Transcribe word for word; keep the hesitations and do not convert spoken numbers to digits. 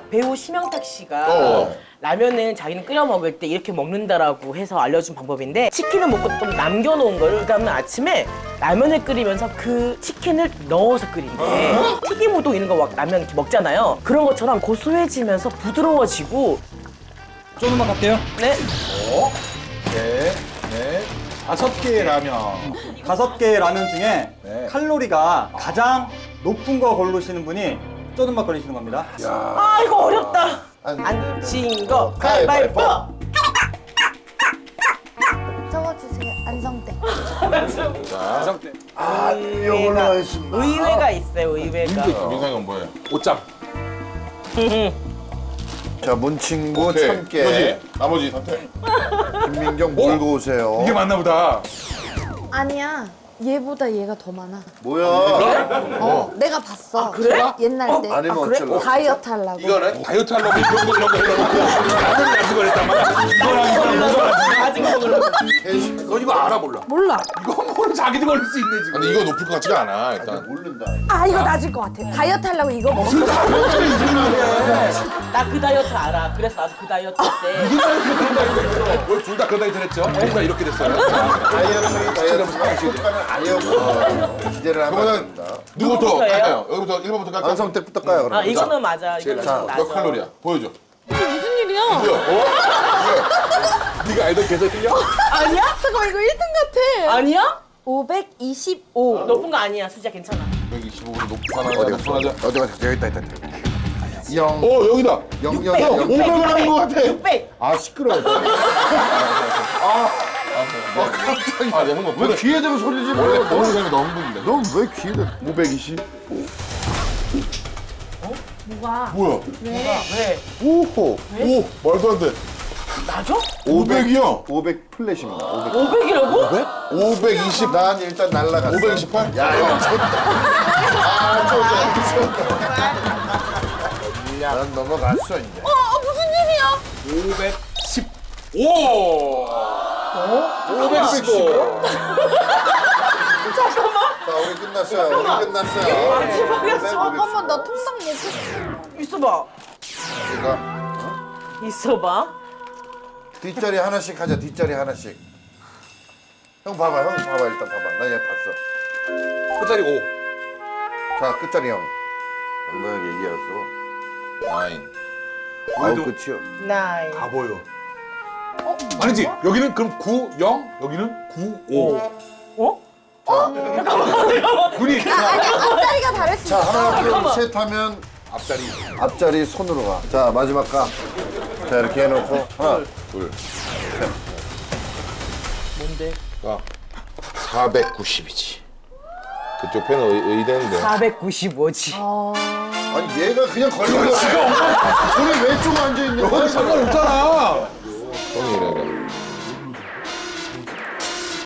배우 심영탁 씨가 어. 라면은 자기는 끓여 먹을 때 이렇게 먹는다라고 해서 알려준 방법인데 치킨을 먹고 좀 남겨놓은 거를 그다음에 아침에 라면을 끓이면서 그 치킨을 넣어서 끓인대. 튀김 우동 이런 거 막 라면 이렇게 먹잖아요. 그런 것처럼 고소해지면서 부드러워지고. 쪼는맛 갈게요. 네. 어? 네. 네. 다섯 개의 라면. 다섯 개의 라면 중에 네. 칼로리가 가장 높은 거 고르시는 분이 쪼는맛 걸리시는 겁니다. 아 이거 어렵다. 안 안 친 거 가위바위보. 적어주세요. 안성대. 다섯 개. 아, 이걸로 하겠습니다. 의외가 있어요. 의외가. 민상이건 뭐예요? 옷장. 자, 문친구 오케이. 참깨. 이거지. 나머지 선택. 김민경 몰고 오세요. 이게 맞나 보다. 아니야. 얘보다 얘가 더 많아. 뭐야? 어, 내가 봤어. 그래? 옛날 때. 아니면 그래? 어쩌려고? 다이어트 하려고. 이거는 다이어트 하려고 이런 거 이런 거 이런 거. 라면 가지고 그랬단 말이야. 이거랑 이거랑 이거랑. 아직 먹으려고. 너 이거 알아 몰라? 몰라. 이거 뭐를 자기도 걸릴 수 있네 지금. 아니 이거 높을 것 같지가 않아 일단. 모른다. 아, 이거 낮을 것 같아. 다이어트 하려고 이거 먹었어. 나 그 다이어트 알아. 그래서 나도 그 다이어트 때. 왜 둘 다 그런 다이어트 했죠? 둘 다 이렇게 됐어요. 다이어트, 다이어트가 식단을 아예 없고 기대를 하면 안 그러면 됩니다. 누구부터 누구부터예요? 갈까요? 여기부터 일 번부터 갈까요? 안성택부터 까요, 그럼. 아 이거는 맞아. 이거는 자, 맞아. 몇 칼로리야? 보여줘. 무슨 일이야? 뭐야? 어? 왜? 네가 알던 계속 틀려? 아니야? 잠깐만, 이거 일 등 같아. 아니야? 오백이십오. 높은 거 아니야. 수지야 괜찮아. 백이십오로 높아나 어디 낮순 갔어? 하자. 어디 갔어? 여기 있다, 있다, 있다. 영, 어 여기다. 영, 영, 육백, 영, 육백. 영. 오백을 하는 것 같아. 육백. 아, 시끄러워. 아, 깜짝이야. 아, 내가 한번 왜 귀에 대고 소리 지르 원래 너? 보는 사람이 너무 힘든데. 넌 왜 귀에 대고. 오백이십? 뭐가? 뭐야? 왜? 오호. 오 말도 안 돼. 맞아? 오백이야. 오백 플랫입니다. 오백. 오백이라고? 오백이십. 난 일단 날라갔어. 오백이십팔? 야, 이거 쳤다. 아, 쳤다. 난 넘어갔어, 이제. 어, 무슨 일이야? 오백십오. 오백십오. 자, 우리 끝났어요. 우리 끝났어요. 마지막이었어. 잠깐만, 나 통닭 먹고 싶어. 있어봐. 그러니까 있어봐. 뒷자리 하나씩 하자. 뒷자리 하나씩. 형 봐봐. 형 봐봐. 일단 봐봐. 나 얘 봤어. 끝자리 오. 자, 끝자리 형. 당당하게 얘기했어. 나인. 아우, 그래도- 끝이요. 나인. 다 보여. 아니지. 여기는 그럼 구, 영, 여기는 구, 오. 어? 눈이 아니, 앞자리가 다를 수 자, 있어. 하나, 둘, 셋 하면 앞자리. 앞자리 손으로 가. 자, 마지막 가. 자, 이렇게 해놓고 하나, 둘. 뭔데? 가. 사백구십이지. 그쪽 펜은 의, 의대인데. 사백구십오지. 어... 아니 얘가 그냥 걸린 거야. 우리 왼쪽 앉아 있는 거야. 상관없잖아.